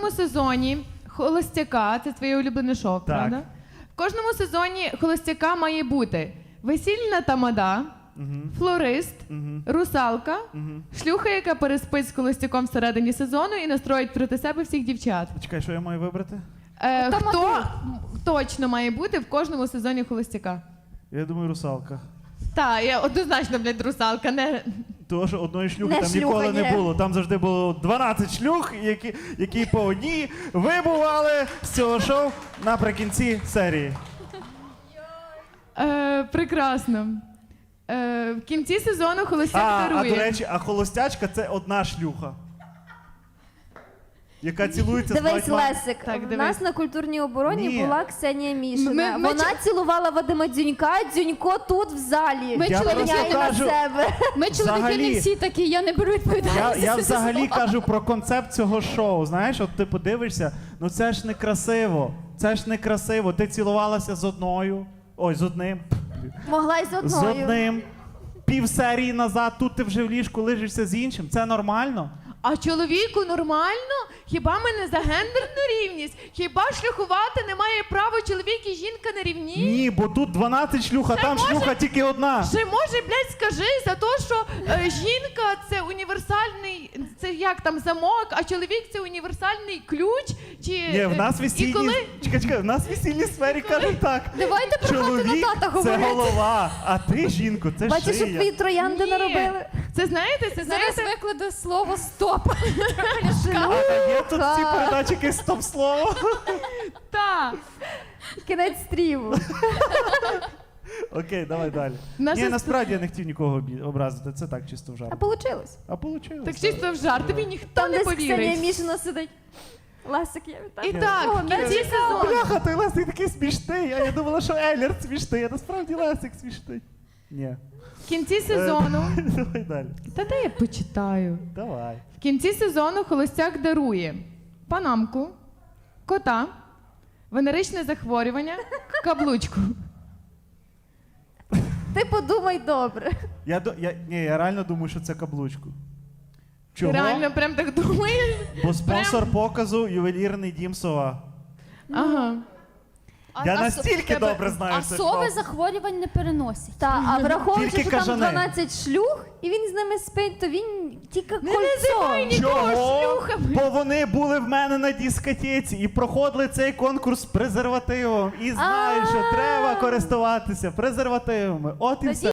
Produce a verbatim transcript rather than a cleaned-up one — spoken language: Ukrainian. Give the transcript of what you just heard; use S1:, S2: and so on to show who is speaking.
S1: кожному сезоні «Холостяка», це твоє улюблене шоу, правда? В кожному сезоні «Холостяка» має бути весільна тамада, флорист, русалка, шлюха, яка переспить з холостяком всередині сезону і настроїть проти себе всіх дівчат.
S2: Чекай, що я маю вибрати?
S1: Е, хто точно має бути в кожному сезоні «Холостяка»?
S2: Я думаю, русалка.
S1: Так, я однозначно, блядь, русалка, не...
S2: Того, що одної шлюхи
S3: Не
S2: там
S3: шлюха,
S2: ніколи
S3: ні.
S2: не було. Там завжди було дванадцять шлюх, які, які по одній вибували з цього шоу наприкінці серії.
S1: Е, прекрасно. Е, в кінці сезону холостяк
S2: А, а
S1: дарує.
S2: до речі, а холостячка це одна шлюха. Яка цілується з
S3: Дивись,
S2: багатьма...
S3: Лесик,
S1: Так,
S3: в
S1: дивись.
S3: нас на культурній обороні
S2: Ні.
S3: була Ксенія Мішина.
S1: Ми- ми
S3: Вона
S1: чо-
S3: цілувала Вадима Дзюнька, Дзюнько тут в залі.
S4: Ми
S2: Я
S4: чоловіки,
S2: просто
S3: Міняє на
S2: кажу-
S3: себе.
S4: ми чоловіки
S2: Взагалі-
S4: не всі такі, я не беру
S2: Я,
S4: відповідальність.
S2: я
S4: за це
S2: взагалі
S4: слово.
S2: кажу про концепт цього шоу. Знаєш, от ти подивишся, ну це ж не красиво. Це ж не красиво. Ти цілувалася з одною. Ой, з одним.
S3: Могла й з
S2: З
S3: одною.
S2: одним. Пів серії назад, тут ти вже в ліжку лежишся з іншим. Це нормально?
S1: А чоловіку нормально? Хіба ми не за гендерну рівність? Хіба шлюхувати не має права чоловік і жінка на рівні?
S2: Ні, бо тут дванадцять шлюх, а
S1: Ще
S2: там
S1: може-
S2: шлюха тільки одна.
S1: Ще може, блядь, скажи за те, що е, жінка це універсальний, це як там замок, а чоловік це універсальний ключ? Чи
S2: Ні, в нас
S1: е,
S2: весільні...
S1: і коли
S2: Чекай, чекай, в нас в весільній сфері кажуть так.
S4: Давайте про хату
S2: Чоловік
S4: на тата
S2: це
S4: говорити.
S2: голова, а ти, жінку, це
S3: Бачиш, що
S2: шия.
S3: твої троянди
S1: Ні.
S3: наробили?
S1: Це знаєте, це
S4: Зараз
S1: знаєте.
S4: викладу слово «стоп».
S2: А є тут в цій передачі якесь стоп-слово?
S1: Та.
S3: Кінець стріму.
S2: Окей, давай далі.
S1: Наша
S2: Ні,
S1: ст-
S2: насправді я не хотів нікого обі- образити, це так, чисто в жарт.
S3: А получилось.
S2: А получилось.
S1: Так чисто в жарт, тобі ніхто
S3: Там
S1: не
S3: десь Ксенія
S1: повірить.
S3: Мішина сидить. Лесик, я вітаю.
S1: І так, в
S3: О,
S1: кінці
S3: не
S1: сезону.
S2: Бляха, той Лесик такий смішний, а я думала, що Еллерт смішний, а насправді Лесик смішний. Ні.
S1: В кінці сезону.
S2: Е, Давай далі.
S1: Та де я почитаю?
S2: Давай.
S1: В кінці сезону холостяк дарує панамку, кота, венеричне захворювання, каблучку.
S3: Ти подумай добре.
S2: Я, до- я, ні, я реально думаю, що це каблучку. Чого?
S1: Ти реально прям так думаєш?
S2: Бо спонсор показу ювелірний дім Сова.
S1: Ага.
S2: Я
S4: А- а
S2: настільки
S4: со-
S2: добре знаю
S4: А
S2: це
S4: сови
S2: шоу.
S4: захворювань не переносять.
S3: Та, а враховуючи,
S2: Тільки
S3: що там
S2: кажани.
S3: дванадцять шлюх, і він з ними спить, то він тільки
S1: Не називай
S3: кольцо.
S1: нікого
S2: Чого?
S1: шлюхами.
S2: Бо вони були в мене на дискотеці і проходили цей конкурс з презервативом. І знають, що
S3: А.
S2: треба користуватися презервативами. От і
S3: Тоді
S2: все.